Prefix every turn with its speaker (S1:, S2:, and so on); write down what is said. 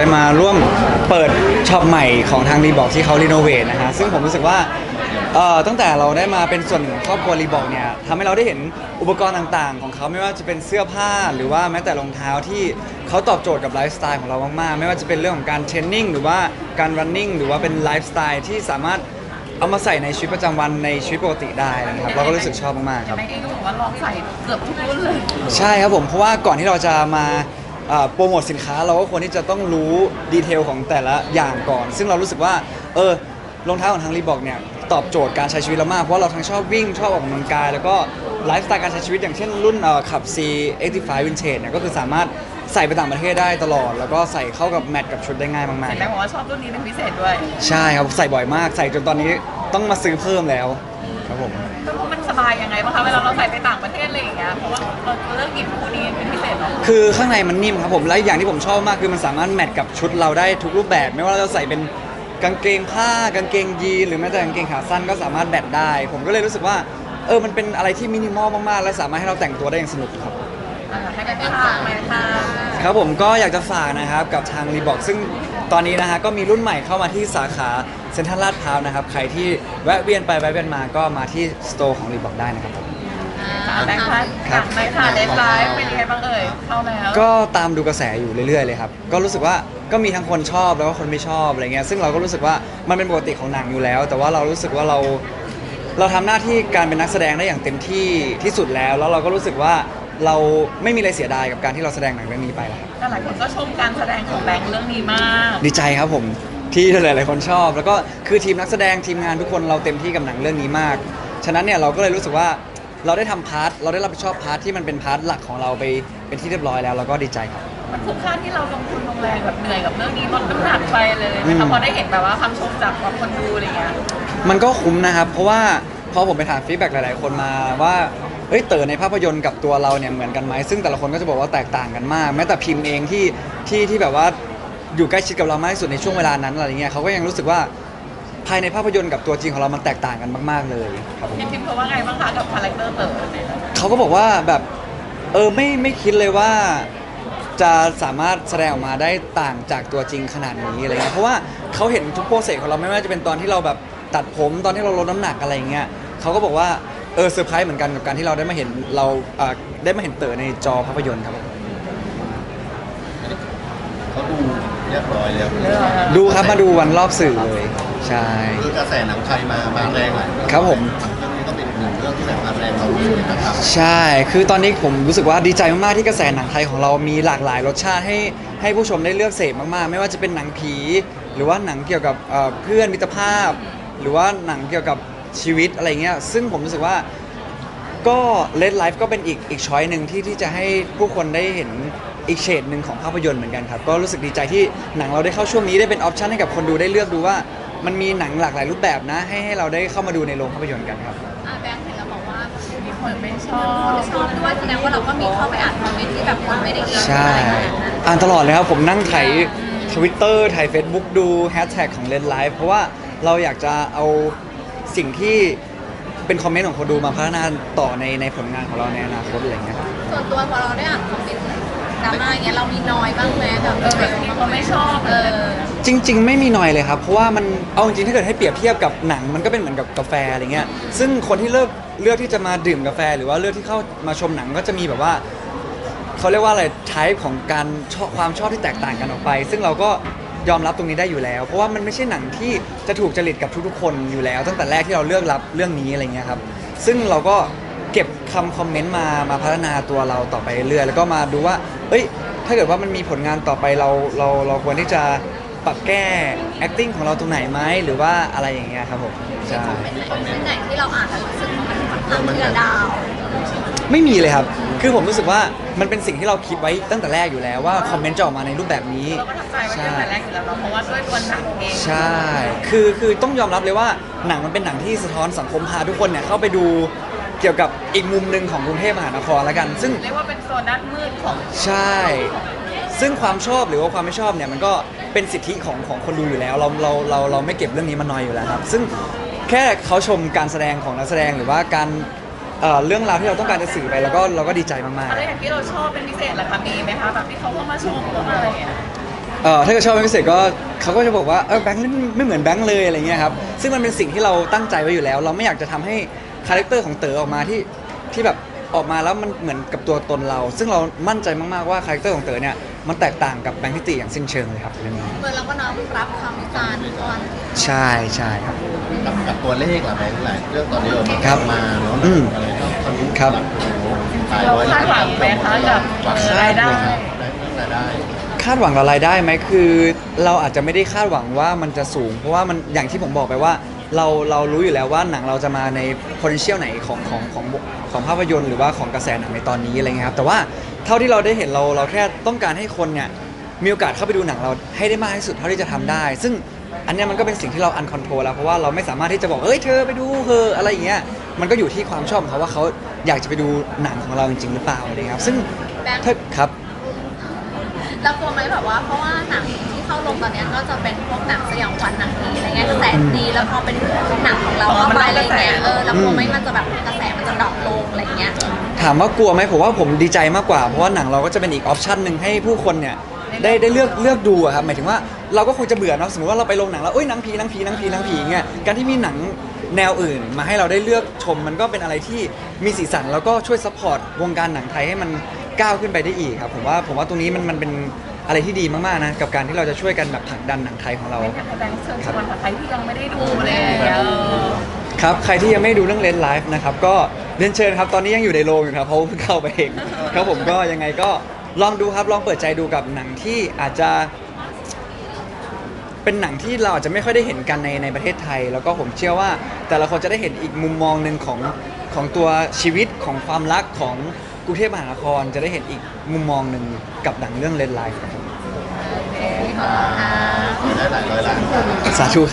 S1: ได้มาร่วมเปิดช็อปใหม่ของทางรีบอกที่เขารีโนเวทนะฮะซึ่งผมรู้สึกว่าตั้งแต่เราได้มาเป็นส่วนหนึ่งของครอบครัวรีบอกเนี่ยทำให้เราได้เห็นอุปกรณ์ต่างๆของเขาไม่ว่าจะเป็นเสื้อผ้าหรือว่าแม้แต่รองเท้าที่เขาตอบโจทย์กับไลฟ์สไตล์ของเรามากๆไม่ว่าจะเป็นเรื่องของการเทรนนิ่งหรือว่าการรันนิ่งหรือว่าเป็นไลฟ์สไตล์ที่สามารถเอามาใส่ในชีวิตประจำวันในชีวิตปกติได้นะครับเราก็รู้สึกชอบมากๆครับ
S2: แม็กเองก็บอกว่าลองใส่เกือบทุกรุ่นเลย
S1: ใช่ครับผมเพราะว่าก่อนที่เราจะมาโปรโมทสินค้าเราก็ควรที่จะต้องรู้ดีเทลของแต่ละอย่างก่อน ซึ่งเรารู้สึกว่ารองเท้าของทางรีบอกเนี่ยตอบโจทย์การใช้ชีวิตเรามากเพราะเราทั้งชอบวิ่งชอบออกกำลังกายแล้วก็ไลฟ์สไตล์การใช้ชีวิตอย่างเช่นรุ่นขับ C85 Vintage เนี่ยก็คือสามารถใส่ไปต่างประเทศได้ตลอดแล้วก็ใส่เข้ากับแมทกับชุดได้ง่ายมาก
S2: เห็น
S1: ๆ
S2: แม็
S1: ค
S2: ก
S1: รับ
S2: บอกว่าชอบรุ่นนี้เป็นพิเศษด้วย
S1: ใช่ครับใส่บ่อยมากใส่จนตอนนี้ต้องมาซื้อเพิ่มแล้วครับผม
S2: ก็เพราะมันสบายยังไงบ้างคะเวลาเราใส่ไปต่างประเทศอะไรอย่างเงี้ยเพราะว่าเราเลือกหยิบคู่นี้เป็นพิเศษเนาะ
S1: คือข้างในมันนิ่มครับผมและอย่างที่ผมชอบมากคือมันสามารถแมทกับชุดเราได้ทุกรูปแบบไม่ว่าเราจะใส่เป็นกางเกงผ้ากางเกงยีนหรือแม้แต่กางเกงขาสั้นก็สามารถแบทได้ผมก็เลยรู้สึกว่ามันเป็นอะไรที่มินิมอลมากๆและสามารถให้เราแต่งตัวได้อย่างสนุกครับ
S2: ให้ไปฝากไหมคะ
S1: ครับผมก็อยากจะฝากนะครับกับทางรีบอกซึ่งตอนนี้นะฮะก็มีรุ่นใหม่เข้ามาที่สาขาเซ็นทรัลลาดพร้าวนะครับใครที่แวะเวียนไปแวะเวียนมาก็มาที่สโตร์ของรีบอกได้นะครับผม
S2: แบงค์พัด
S1: ครับ
S2: ไหมค่ะเดทไลฟ์เป็นยังไงบ้างเอ่ยเข้าแล้ว
S1: ก็ตามดูกระแสอยู่เรื่อยๆเลยครับ ก็รู้สึกว่าก็มีทั้งคนชอบแล้วก็คนไม่ชอบอะไรเงี้ย ซึ่งเราก็รู้สึกว่ามันเป็นปกติของหนังอยู่แล้ว แต่ว่าเรารู้สึกว่าเราทำหน้าที่การเป็นนักแสดงได้อย่างเต็มที่ที่สุดแล้ว แล้วเราก็รู้สึกว่าเราไม่มีอะไรเสียดายกับการที่เราแสดงหนังเรื่องนี้ไปแล้วครับ
S2: แต่หลายคนก็ชมการแสดงของแบงค์เรื่องนี้มาก
S1: ดีใจครับผมที่หลายๆคนชอบ แล้วก็คือทีมนักแสดงทีมงานทุกคนเราเต็มที่กับหนังเรื่องนี้มาก ฉะนั้นเนี่ยเราก็เลยรู้สึกว่าเราได้ทำพาร์ทเราได้รับผิดชอบพาร์ทที่มันเป็นพาร์ทหลักของเราไปเป็นที่เรียบร้อยแล้วเราก็ดีใจครับ
S2: มันคุ้มค่าที่เราลงทุนลงแรงแบบเหนื่อยกับเรื่องนี้ลดน้ำหนักไปเลยนะคะพอได้เห็นแบบว่าคำชมจากคนดูอะไรเงี้ย
S1: มันก็คุ้มนะครับ เพราะว่าพอผมไปถามฟีดแบ็กหลาย ๆ คนมาว่าเต๋อในภาพยนตร์กับตัวเราเนี่ยเหมือนกันไหมซึ่งแต่ละคนก็จะบอกว่าแตกต่างกันมาก แม้แต่พิมพ์เองที่แบบว่าอยู่ใกล้ชิดกับเรามากที่สุดในช่วงเวลานั้นอะไรเงี้ยเขาก็ยังรู้สึกว่าภายในภาพยนตร์กับตัวจริงของเรามันแตกต่างกันมาก ๆ เลยครับผม
S2: พิมพ์เขาว่าไงบ้างคะกับคาแรคเตอร์เต๋อเนี่ย
S1: เขาก็บอกว่าแบบไม่คิดเลยว่าจะสามารถแสดงออกมาได้ต่างจากตัวจริงขนาดนี้อะไรเงี้ยเพราะว่าเขาเห็นทุกโปรเซสของเราไม่ว่าจะเป็นตอนที่เราแบบตัดผมตอนที่เราลดน้ำหนักอะไรเงี้ยเขาก็บอกว่าเซอร์ไพรส์เหมือนกันกับการที่เราได้มาเห็นได้มาเห็นเต๋อในจอภาพยนตร์ครับผม
S3: เขาดูเรียบร้อยแล้ว
S1: ดูครับมาดูวันรอบสื่อเลยใช่
S3: คือกระแสหนังไทยมาแรงหลายเรื่อง
S1: ครับผม
S3: เรื่องนี้ก็เป็นหนึ่งเรื่องที่แบบมาแรงเรารู้สึกนะครับ
S1: ใช่ คือตอนนี้ผมรู้สึกว่าดีใจมากๆที่กระแสหนังไทยของเรามีหลากหลายรสชาติให้ผู้ชมได้เลือกเสพมากๆ ไม่ว่าจะเป็นหนังผี หรือว่าหนังเกี่ยวกับเพื่อนมิตรภาพ หรือว่าหนังเกี่ยวกับชีวิตอะไรเงี้ย ซึ่งผมรู้สึกว่าก็เลดไลฟ์ก็เป็นอีกช้อยหนึ่งที่จะให้ผู้คนได้เห็นอีกเฉดหนึ่งของภาพยนตร์เหมือนกันครับ ก็รู้สึกดีใจที่หนังเราได้เข้าช่วงนี้ได้เป็นออปชั่นให้กับคนดูได้เลือกดูว่ามันมีหนังหลากหลายรูปแบบนะให้เราได้เข้ามาดูในโรงภาพยนตร์กันครับ
S4: แบงค์เห็นแล้วบอกว่า
S2: มีคนไม่ชอ
S4: คน
S2: บ
S4: ชอบด้วยแสดงว่าเราก็มีเข้าไปอ่านคอมเมนต์ที่แบบคนไม่ได้อิน
S1: ใช่
S4: อะไรขนาดนั้น
S1: อ่านตลอดเลยครับผมนั่งไถ Twitter ไถ Facebook ดูแฮชแท็กของ Red Live เพราะว่าเราอยากจะเอาสิ่งที่เป็นคอมเมนต์ของคนดูมาพัฒนาต่อในผลงานของเราในอนาคตอะไรอย่างเงี้ยครับ
S4: ส่วนตัวพอเราได้อ่านคอมเมนต์ดราม่าอย่างเงี้ยเรามีน้อยบ้างไหมแบบ
S2: แบบมีคนไม่ชอบเลย
S1: จริง ๆ ไม่มีหน่อยเลยครับ เพราะว่ามันเอาจริงๆถ้าเกิดให้เปรียบเทียบกับหนังมันก็เป็นเหมือนกับกาแฟอะไรเงี้ยซึ่งคนที่เลือกที่จะมาดื่มกาแฟ หรือว่าเลือกที่เข้ามาชมหนังก็จะมีแบบว่าเขาเรียกว่าอะไรไทป์ของการชอบความชอบที่แตกต่างกันออกไป ซึ่งเราก็ยอมรับตรงนี้ได้อยู่แล้ว เพราะว่ามันไม่ใช่หนังที่จะถูกจริตกับทุกๆ คนอยู่แล้ว ตั้งแต่แรกที่เราเลือกรับเรื่องนี้อะไรเงี้ยครับซึ่งเราก็เก็บคอมเมนต์มาพัฒนาตัวเราต่อไปเรื่อยๆแล้วก็มาดูว่าถ้าเกิดว่ามันมีผลงานต่อไปเราควรที่จะปรับแก้ acting ของเราตรงไหนไหมหรือว่าอะไรอย่างเงี้ยครับผมใช่
S4: คอมเมนต์ไหนที่เราอ่านแล้วรู้สึกว่ามันเชื่อดาว
S1: ไม่มีเลยครับ คือผมรู้สึกว่ามันเป็นสิ่งที่เราคิดไว้ตั้งแต่แรกอยู่แล้วว่าคอมเมนต์จะออกมาในรูปแบบนี้
S2: เราก็ทำใจไว้ตั้งแต่แรกอยู่แล้วเนาะเพราะว่าด้วยตัวหนังเอง
S1: ใช่คือต้องยอมรับเลยว่าหนังมันเป็นหนังที่สะท้อนสังคมพาทุกคนเนี่ยเข้าไปดูเกี่ยวกับอีกมุมหนึ่งของกรุงเทพมหานครแล้วกัน ซึ่ง
S2: เรียกว่าเป็นโซนด้านมืดของ
S1: ใช่ ซึ่งความชอบหรือว่าความไม่ชอบเนี่ยมันก็เป็นสิทธิของคนดูอยู่แล้วเราไม่เก็บเรื่องนี้มานอยอยู่แล้วครับ ซึ่งแค่เขาชมการแสดงของนักแสดงหรือว่าการเรื่องราวที่เราต้องการจะสื่อไปเราก็ดีใจมาก
S2: อะไรอย่างที่เราชอบเป็นพิเศษเหรอคะมีไหมคะแบบที่เขาเข้ามาชมเข้ามาอะไรอย่างเงี้ย
S1: ๆถ้าเกิดชอบเป็นพิเศษก็เขาก็จะบอกว่าแบงค์นี่ไม่เหมือนแบงค์เลยอะไรเงี้ยครับซึ่งมันเป็นสิ่งที่เราตั้งใจไว้อยู่แล้ว เราไม่อยากจะทำให้คาแรคเตอร์ของเต๋อออกมาที่แบบออกมาแล้วมันเหมือนกับตัวตนเรา ซึ่งเรามั่นใจมากๆว่าคาแรคเตอร์ของเต๋อเนี่ยมันแตกต่างกับแบงค์ทิติอย่างสิ้นเชิงเลยครับเรื่องนี้
S4: เหมือนเราก็น้อมรับคำวิจารณ์ก่อน
S1: ใช่ใช่ครับ
S3: กับตัวเลขล่ะแบงค์หลายเรื่องตอนนี้ออก
S1: ครับ
S3: มาเนาะ
S1: อืม
S3: อะไรก็ทะลุ
S1: ครับ
S3: หลักโอ้โหตาย
S2: เรา
S3: ร้อย
S2: คาดหวังไหมคะกับ
S3: หวัง
S2: รายได้
S3: แบงค์เรื่องรายได้
S1: คาดหวังกับรายได้ไหมคือเราอาจจะไม่ได้คาดหวังว่ามันจะสูง เพราะว่ามันอย่างที่ผมบอกไปว่าเรารู้อยู่แล้วว่าหนังเราจะมาใน potential ไหนของภาพยนตร์หรือว่าของกระแสหนังในตอนนี้อะไรเงี้ยครับแต่ว่าเท่าที่เราได้เห็นเราแค่ต้องการให้คนเนี่ยมีโอกาสเข้าไปดูหนังเราให้ได้มากที่สุดเท่าที่จะทำได้ ซึ่งอันเนี้ยมันก็เป็นสิ่งที่เราอันคอนโทรลแล้วเพราะว่าเราไม่สามารถที่จะบอกเอ้ยเธอไปดูเธออะไรอย่างเงี้ยมันก็อยู่ที่ความชอบของเขาว่าเขาอยากจะไปดูหนังของเราจริงๆหรือเปล่าอะไรเงี้ยครับซึ่ง
S4: แบงค์
S1: ถ้าครับ
S4: เรากลัวไหมแบบว่าเพราะว่าหนังที่เข้าลงตอนเนี้ยก็จะเป็นพวกหนังสยองขวัญหนังผีอะไรเงี้ยกระแสดีแล้วพอเป็นหนังของเราเข้าไปอะไรเงี้ยเรากลัวไหมมันจะแบบกระแสมันจะดรอปลงอะไรเงี้ย
S1: ถามว่ากลัวไหมผมว่าผมดีใจมากกว่าเพราะว่าหนังเราก็จะเป็นอีกออปชันหนึ่งให้ผู้คนเนี่ยได้เลือกดูอะครับหมายถึงว่าเราก็คงจะเบื่อเนาะสมมติว่าเราไปโรงหนังแล้วเอ้ยหนังผีอย่างเงี้ยการที่มีหนังแนวอื่นมาให้เราได้เลือกชมมันก็เป็นอะไรที่มีสีสันแล้วก็ช่วยซัพพอร์ตวงการหนังไทยให้มันก้าวขึ้นไปได้อีกครับผมว่าตรงนี้มันเป็นอะไรที่ดีมากๆนะกับการที่เราจะช่วยกันแบบผลักดันหนังไทยของเรา
S2: ไม่อยากให้แบงค์เชิญชวนใครที่ยังไม่ได้ดูเลย
S1: ครับใครที่ยังไม่ดูเรื่องเลนไลฟ์นะครับก็เรียนเชิญครับตอนนี้ยังอยู่ในโรงอยู่ครับเพราะเพิ่งเข้าไปเองครับผมก็ยังไงก็ลองดูครับลองเปิดใจดูกับหนังที่อาจจะเป็นหนังที่เราอาจจะไม่ค่อยได้เห็นกันในประเทศไทย แล้วก็ผมเชื่อว่าแต่ละคนจะได้เห็นอีกมุมมองหนึ่งของตัวชีวิตของความรักของกรุงเทพมหานครจะได้เห็นอีกมุมมองหนึ่งกับหนังเรื่องเลนไลฟ์ครับผม
S3: ได้หลายร้อยล้าน
S1: สาธุ